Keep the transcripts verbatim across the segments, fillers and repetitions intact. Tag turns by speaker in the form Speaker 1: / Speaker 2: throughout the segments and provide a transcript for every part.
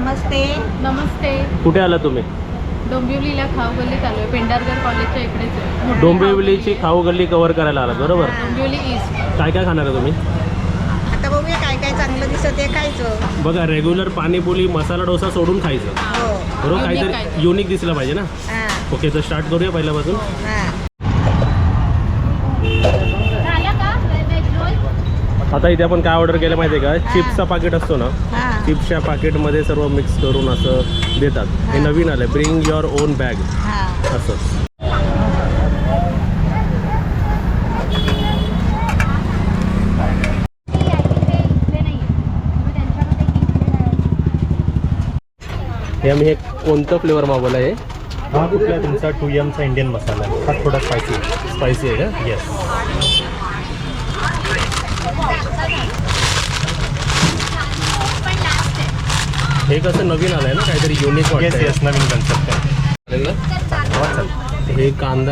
Speaker 1: नमस्ते.
Speaker 2: नमस्ते.
Speaker 3: कुठे आला तुम्ही?
Speaker 2: डोंबिवलीला खाऊ गल्लीत आलोय. पेंढारकर कॉलेजच्या इकडेच आहे.
Speaker 3: डोंबिवलीची खाऊ गल्ली कव्हर करायला आला बरोबर?
Speaker 2: डोंबिवली ईस्ट.
Speaker 3: काय काय खाणार आहे तुम्ही?
Speaker 1: आता बघूया काय काय चांगलं दिसत आहे खायचं.
Speaker 3: बघा रेग्युलर पाणीपुरी मसाला डोसा सोडून खायचं
Speaker 1: हो.
Speaker 3: बरोबर.
Speaker 2: Unique
Speaker 3: काहीतरी युनिक दिसलं पाहिजे ना.
Speaker 1: हा.
Speaker 3: ओके तर स्टार्ट करूया पहिल्यापासून.
Speaker 1: हा.
Speaker 3: आता इथे आपण काय ऑर्डर केलं माहिती आहे का? चिप्सचा पाकिट असतो ना,
Speaker 1: हा.
Speaker 3: चिप्सच्या पाकिटमध्ये सर्व मिक्स करून असं देतात. हे नवीन आलं, ब्रिंग युअर ओन बॅग
Speaker 1: हा.
Speaker 3: असं. हे आम्ही हे कोणतं फ्लेवर मागवलं आहे?
Speaker 4: हा कुठला तुमचा टू एमचा इंडियन मसाला आहे. हा थोडा स्पायसी आहे.
Speaker 3: स्पायसी आहे का?
Speaker 4: येस.
Speaker 3: हे कसं नवीन आलं आहे ना, काहीतरी युनिक
Speaker 4: येस
Speaker 3: वाटतं.
Speaker 4: येस नवीन कन्सेप्ट आहे. हा चल.
Speaker 3: हे कांदा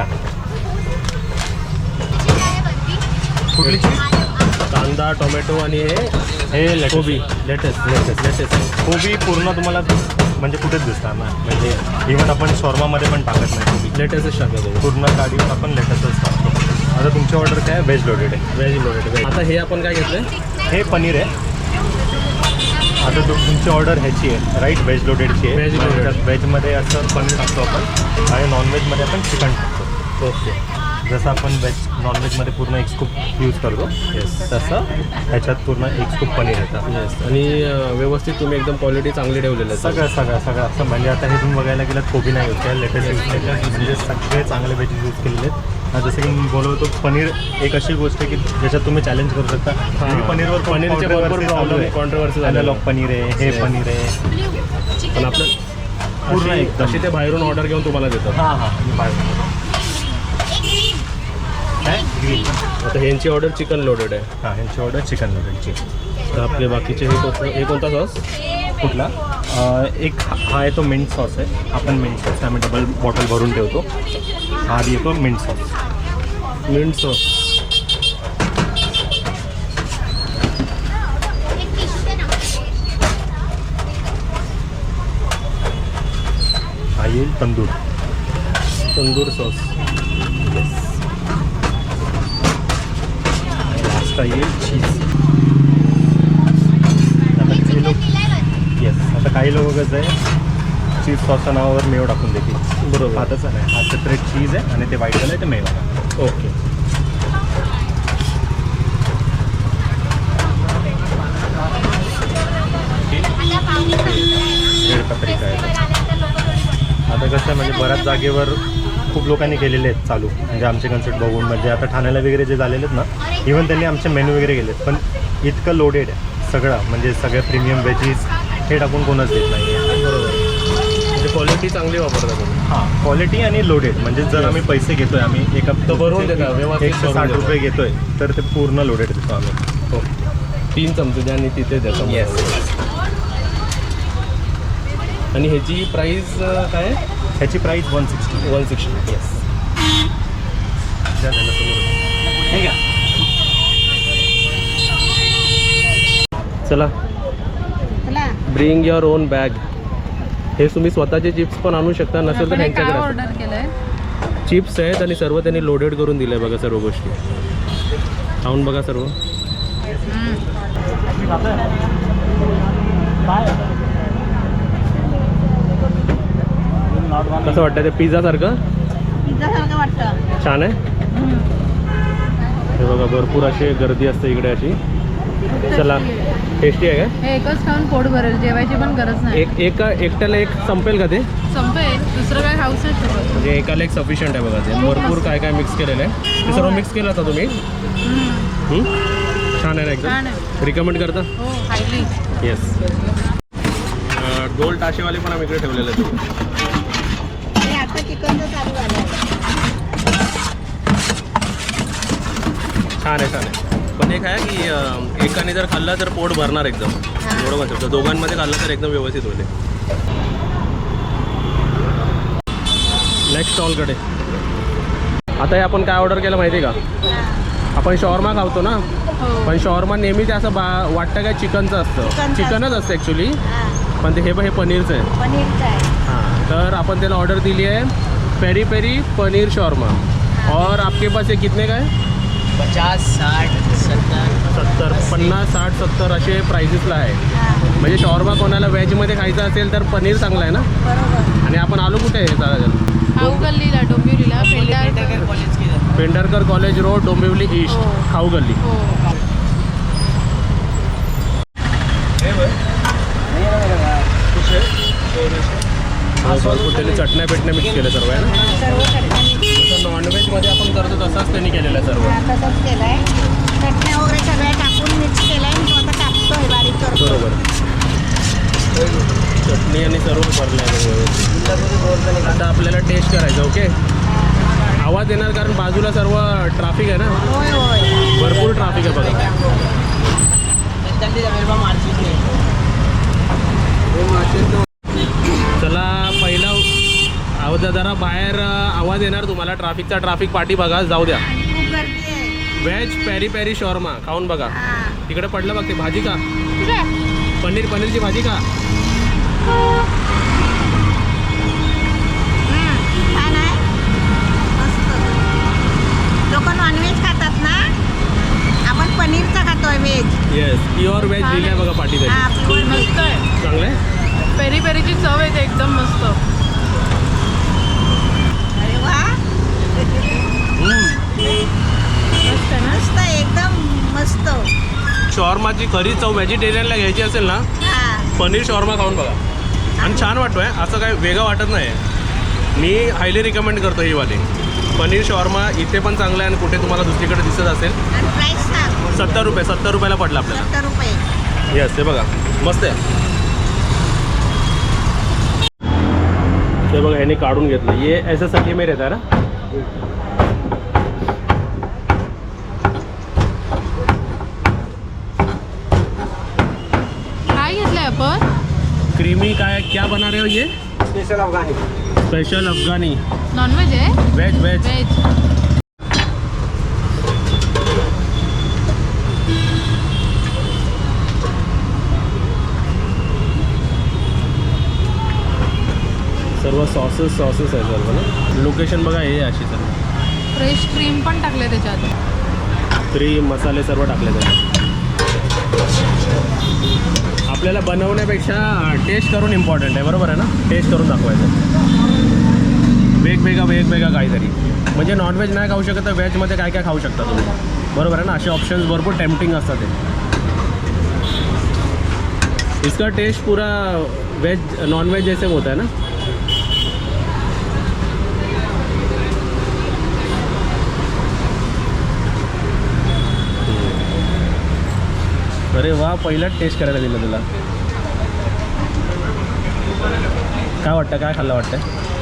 Speaker 4: कुठली
Speaker 3: कांदा टोमॅटो आणि हे
Speaker 4: हे
Speaker 3: कोबी
Speaker 4: लेटेस्ट लेटेस्ट लेटेस्ट कोबी पूर्ण तुम्हाला म्हणजे कुठेच दिसणार ना. म्हणजे इव्हन आपण शॉर्मामध्ये पण टाकत नाही कोबी.
Speaker 3: लेटेस्टच टाकतो.
Speaker 4: पूर्ण गाडीवर आपण लेटेस्टच टाकतो. आता तुमची ऑर्डर काय व्हेज लोडेड आहे?
Speaker 3: Veg loaded. आता हे आपण काय घेतलं?
Speaker 4: हे पनीर आहे. आता तु तुमची ऑर्डर ह्याची आहे राईट, व्हेज लोडेडची आहे.
Speaker 3: Veg loaded.
Speaker 4: व्हेजमध्ये असं पनीर टाकतो आपण आणि नॉनव्हेजमध्ये आपण चिकन टाकतो.
Speaker 3: ओके.
Speaker 4: जसं आपण व्हेज नॉनव्हेजमध्ये पूर्ण एक स्कूप यूज करतो
Speaker 3: येस
Speaker 4: तसं ह्याच्यात पूर्ण एक स्कूप पनीर येतं.
Speaker 3: येस. आणि अं, व्यवस्थित तुम्ही एकदम क्वालिटी चांगली ठेवलेलं आहे.
Speaker 4: सगळं सगळं सगळं असं म्हणजे आता हे तुम्ही बघायला गेलं कोबी नाही यूज केलं, लेटेस्ट यूज केलं, म्हणजे सगळे चांगले व्हेज यूज केलेले आहेत. जसं की मी बोलवतो पनीर एक अशी गोष्ट आहे की ज्याच्यात तुम्ही चॅलेंज करू शकता. तुम्ही पनीरवर
Speaker 3: पनीरचे भरपूर प्रॉब्लेम आहे, कॉन्ट्रोवर्सी झालेलं.
Speaker 4: लॉक पनीर आहे, हे
Speaker 3: Yes.
Speaker 4: पनीर आहे,
Speaker 3: पण आपलं
Speaker 4: पूर्ण
Speaker 3: पूर्ण
Speaker 4: एकदम.
Speaker 3: तशी ते बाहेरून ऑर्डर घेऊन तुम्हाला देतात.
Speaker 4: हां हां मी बाहेर काय ग्रीन.
Speaker 3: आता ह्यांची ऑर्डर चिकन लोडेड आहे.
Speaker 4: हां ह्यांची ऑर्डर चिकन नूडलची.
Speaker 3: तर आपले बाकीचे हे कोणतं हे कोणता सॉस?
Speaker 4: कुठला? अं, एक हा हा आहे तो मिंट सॉस आहे. आपण मिंट सॉस आम्ही डबल बॉटल भरून ठेवतो. हा आधी येतो मिंट सॉस.
Speaker 3: Minute sauce.
Speaker 4: हा येईल तंदूर.
Speaker 3: तंदूर सॉस.
Speaker 4: लास्ट येईल चीज. आता काही लोक येस आता काही लोक कसं आहे चीज सॉसच्या नावावर मेव टाकून देतील.
Speaker 3: बरोबर.
Speaker 4: हा तसं नाही, हा सेपरेट चीज आहे आणि ते व्हाईट कलर आहे ते मेव आहे.
Speaker 3: ओके.
Speaker 4: रेड पत्रिका आहे. आता कसं आहे म्हणजे बऱ्याच जागेवर खूप लोकांनी केलेले आहेत चालू, म्हणजे आमचे कन्सेप्ट बघून. म्हणजे आता ठाण्याला वगैरे जे झालेले आहेत ना, इव्हन त्यांनी आमचे मेनू वगैरे केलेत, पण इतकं लोडेड आहे सगळं, म्हणजे सगळे प्रीमियम व्हेजीस हे टाकून कोणच देत नाही आहे.
Speaker 3: बरोबर. म्हणजे क्वालिटी चांगली वापरता तुम्ही.
Speaker 4: हां क्वालिटी आणि लोडेड. म्हणजे जर आम्ही पैसे घेतोय, आम्ही एका
Speaker 3: तर भरून देता, व्यवस्थित
Speaker 4: एकशे
Speaker 3: भरून
Speaker 4: साठ
Speaker 3: देता.
Speaker 4: रुपये घेतोय तर ते पूर्ण लोडेड देतो आम्ही.
Speaker 3: हो. तीन चमचे द्या आणि तिथे द्या.
Speaker 4: येस.
Speaker 3: आणि ह्याची प्राईस काय आहे?
Speaker 4: ह्याची price one sixty.
Speaker 3: One sixty.
Speaker 4: Yes. ठीक आहे.
Speaker 3: चला
Speaker 1: चला.
Speaker 3: Bring your own bag. हे तुम्ही स्वतःचे चिप्स पण आणू शकता, नसेल तर
Speaker 2: आपण हे काय
Speaker 3: त्यांच्याकडे
Speaker 2: ऑर्डर केलंय?
Speaker 3: चिप्स आहेत आणि सर्व त्यांनी लोडेड करून दिलं आहे. बघा सर्व गोष्टी खाऊन बघा सर्व. कसं वाटतं ते पिझ्झा सारखं?
Speaker 1: पिझ्झा सारखं वाटतं.
Speaker 3: छान आहे. हे बघा भरपूर अशी गर्दी असते इकडे अशी. चला टेस्टी आहे का?
Speaker 2: हे एकच खाऊन पोट भरेल, जेवायची पण गरज नाही.
Speaker 3: एक एका एकट्याला एक संपेल का ते?
Speaker 2: संपेल, दुसरं काय खाऊच नाही शकत.
Speaker 3: म्हणजे एकाला एक सफिशियंट आहे बघा. ते भरपूर काय काय मिक्स केलेलं आहे. ते सर्व मिक्स केलं होतं तुम्ही? हं? छान आहे ना
Speaker 2: छान
Speaker 3: एकदम.
Speaker 2: आहे.
Speaker 3: रिकमेंड करता?
Speaker 2: हो हायली.
Speaker 3: येस. गोल टाशेवाले पण आम्ही इकडे ठेवलेले आहेत.
Speaker 1: हे आता चिकनचं चालू झालं.
Speaker 3: छान आहे छान आहे. पण एक आहे की अं, एकाने जर खाल्लं तर पोट भरणार एकदम. एवढं म्हणतो. दोघांमध्ये खाल्लं तर एकदम व्यवस्थित होते. नेक्स्ट स्टॉलकडे आता हे आपण काय ऑर्डर केलं माहिती आहे का? आपण शॉर्मा खावतो ना,
Speaker 2: हो.
Speaker 3: पण शॉर्मा नेहमी ते असं बा वाटतं काय चिकनचं असतं.
Speaker 1: चिकनचं
Speaker 3: चिकनच असतं ॲक्च्युली.
Speaker 1: हा.
Speaker 3: पण ते हे बघ हे पनीरचं आहे.
Speaker 1: पनीरचं आहे.
Speaker 3: हाँ, तर अपन त्याला ऑर्डर दिली है पेरी पेरी पनीर शॉर्मा. और आपके पास ये कितने का है?
Speaker 5: पचास साठ सत्तर
Speaker 3: सत्तर पन्नास साठ सत्तर असे प्राइसेसला आहे.
Speaker 1: हां,
Speaker 3: म्हणजे शॉर्मा कोणाला व्हेजमध्ये खायचं असेल तर पनीर चांगलं आहे ना.
Speaker 1: बरोबर.
Speaker 3: आणि आपण आलो कुठे आहे दादा?
Speaker 2: खाऊ गल्लीला डोंबिवलीला पेंडारकर.
Speaker 5: पेंडारकर कॉलेज की तरफ.
Speaker 3: Pendharkar college road Dombivli east
Speaker 2: हो.
Speaker 3: खाऊ गल्ली.
Speaker 2: हो
Speaker 3: भरपूर त्यांनी चटण्या पेटण्या मिक्स केलं सर्व आहे ना.
Speaker 1: सर्व चटणी
Speaker 3: जसं नॉनव्हेजमध्ये आपण करतो तसाच त्यांनी केलेलं आहे सर्व.
Speaker 1: हां, तसंच केलं आहे. चटण्या वगैरे सगळ्या टाकून मिक्स केलं आहे. तो आता टाकतोय, बारीक करतो.
Speaker 3: बरोबर. चटणी आणि सर्व भरलं आहे व्यवस्थित. आता आपल्याला टेस्ट करायचं. ओके, आवाज येणार कारण बाजूला सर्व ट्रॅफिक आहे ना.
Speaker 1: होय होय.
Speaker 3: भरपूर ट्रॅफिक आहे बघा.
Speaker 5: जल्दी जा मेरे पास मार्केट नहीं
Speaker 3: चला पहिला आवाज जरा बाहेर आवाज येणार तुम्हाला ट्रॅफिकचा. ट्रॅफिक पाठी बघा, जाऊ द्या.
Speaker 1: खूप गर्दी आहे.
Speaker 3: व्हेज पेरी पेरी शॉर्मा खाऊन बघा.
Speaker 1: हां.
Speaker 3: तिकडे पडलं बघ ते भाजी का,
Speaker 2: कुठे?
Speaker 3: पनीर पनीरची भाजी का.
Speaker 1: हं, छान आहे. मस्त. लोक नॉनव्हेज खातात ना, आपण पनीरचा खातोय व्हेज.
Speaker 3: येस, प्युअर व्हेज दिली आहे बघा पाठी त्याची.
Speaker 1: हां, प्युअर व्हेज.
Speaker 2: मस्त आहे.
Speaker 3: चांगलं आहे.
Speaker 2: पेरी पेरीची चव येते एकदम मस्त.
Speaker 1: अरे वा,
Speaker 2: मस्त आहे ना.
Speaker 1: मस्त आहे, एकदम मस्त.
Speaker 3: शॉर्माची खरी चव व्हेजिटेरियनला घ्यायची असेल ना,
Speaker 1: हां,
Speaker 3: पनीर शॉर्मा खाऊन बघा. आणि छान वाटतोय, असं काय वेगळं वाटत नाही. मी हायली रिकमेंड करतो ही वाली पनीर शॉर्मा. इथे पण चांगलं आहे आणि कुठे तुम्हाला दुसरीकडे दिसत असेल.
Speaker 1: आणि प्राईस सांग.
Speaker 3: सत्तर रुपये सत्तर रुपयाला पडलं आपल्याला.
Speaker 1: सत्तर रुपये.
Speaker 3: येस, ते बघा मस्त आहे. ते बघा ह्याने काढून घेतलं. ये याच्यासाठी मी रहता है ना.
Speaker 2: काय घेतलंय आपण?
Speaker 3: क्रीमी काय क्या बना रहे हो ये?
Speaker 5: Special Afghani
Speaker 3: special Afghani
Speaker 2: non veg आहे?
Speaker 3: Veg veg.
Speaker 2: व्हेज.
Speaker 3: सर्व सॉसेस सॉसेस आहे सर्व ना. लोकेशन बघा हे अशी सर्व.
Speaker 2: फ्रेश क्रीम पण टाकले त्याच्यात.
Speaker 3: क्रीम मसाले सर्व टाकले त्याच्यात. आपल्याला बनवण्यापेक्षा टेस्ट करून इम्पॉर्टंट आहे. बरोबर आहे ना. टेस्ट करून दाखवायचं वेगवेगळा वेगवेगळा काहीतरी. म्हणजे नॉनव्हेज नाही खाऊ शकत तर व्हेजमध्ये काय काय खाऊ शकता तुम्ही. बरोबर आहे ना. असे ऑप्शन्स भरपूर टेम्पटिंग असतात ते. इसका टेस्ट पूरा वेज नॉनव्हेज जैसे होता है ना. अरे वा, पहिलाच टेस्ट करायला दिलं तुला. काय वाटतं, काय खाल्लं वाटतं?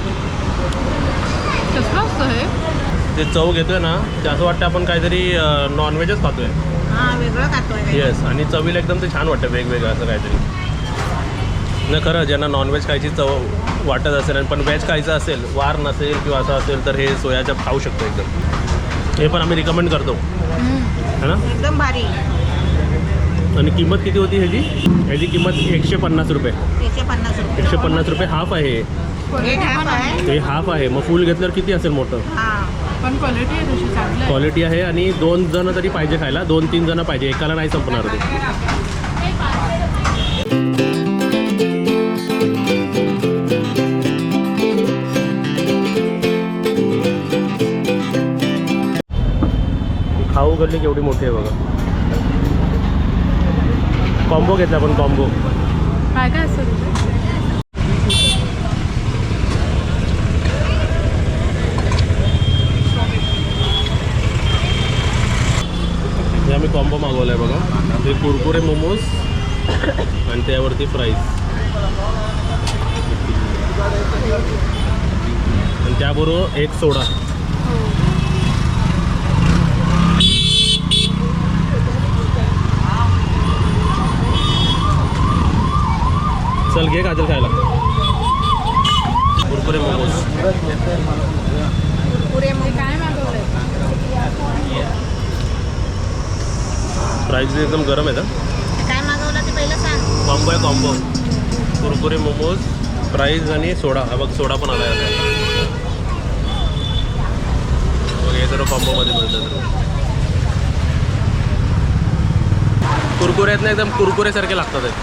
Speaker 2: कसलं असतं हे?
Speaker 3: ते चव घेतोय ना, ते असं वाटतं आपण काहीतरी नॉनव्हेजच खातोय.
Speaker 1: हां, वेगळं खातोय.
Speaker 3: येस, आणि चवीला एकदम ते छान वाटतं वेगवेगळं असं काहीतरी. नाही खरं, ज्यांना नॉनव्हेज खायची चव वाटत असेल आणि पण व्हेज खायचं असेल, वार नसेल किंवा असं असेल तर हे सोयाच्या खाऊ शकतो एकदम. हे पण आम्ही रिकमेंड करतो है ना.
Speaker 1: एकदम भारी.
Speaker 3: आणि किंमत किती होती ह्याची? ह्याची किंमत एकशे पन्नास रुपये.
Speaker 1: एकशे पन्नास रुपये.
Speaker 3: एकशे पन्नास रुपये हाफ आहे.
Speaker 1: हे हाफ आहे.
Speaker 3: हे हाफ आहे. मग फुल घेतल्यावर किती असेल मोठं?
Speaker 1: हां,
Speaker 2: पण क्वालिटी आहे तशी चांगली आहे.
Speaker 3: क्वालिटी आहे. आणि दोन जण तरी पाहिजे खायला. दोन तीन जण पाहिजे, एकाला नाही संपणार ते. खाऊ गल्ली केवढी मोठी आहे बघा. कॉम्बो घेतला आपण कॉम्बो.
Speaker 2: काय काय असतं तिथे?
Speaker 3: हे आम्ही कॉम्बो मागवला आहे बघा. ते कुरकुरे मोमोज आणि त्यावरती फ्राईज आणि त्याबरोबर एक सोडा. चल घे काजल खायला. कुरकुरे मोमोज.
Speaker 1: पुरे मग
Speaker 2: काय मागवलंय?
Speaker 3: प्राईस एकदम गरम आहे.
Speaker 1: काय मागवलं ते पहिलं सांग.
Speaker 3: कॉम्बो आहे कॉम्बो. कुरकुरे कुरकुरे मोमोज प्राईज आणि सोडा हा बघ सोडा पण आला आहे बघ हे सर्व कॉम्बोमध्ये मिळतं सर्व कुरकुरे आहेत ना एकदम कुरकुरेसारखे लागतात आहेत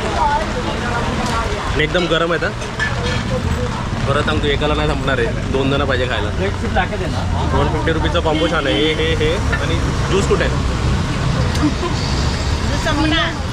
Speaker 3: आणि एकदम गरम आहेत हा परत सांगतो एकाला नाही संपणार आहे दोन जण पाहिजे खायला वन फिफ्टी रुपीचा कॉम्बो छान आहे हे हे हे आणि ज्यूस कुठे आहे
Speaker 1: संपणार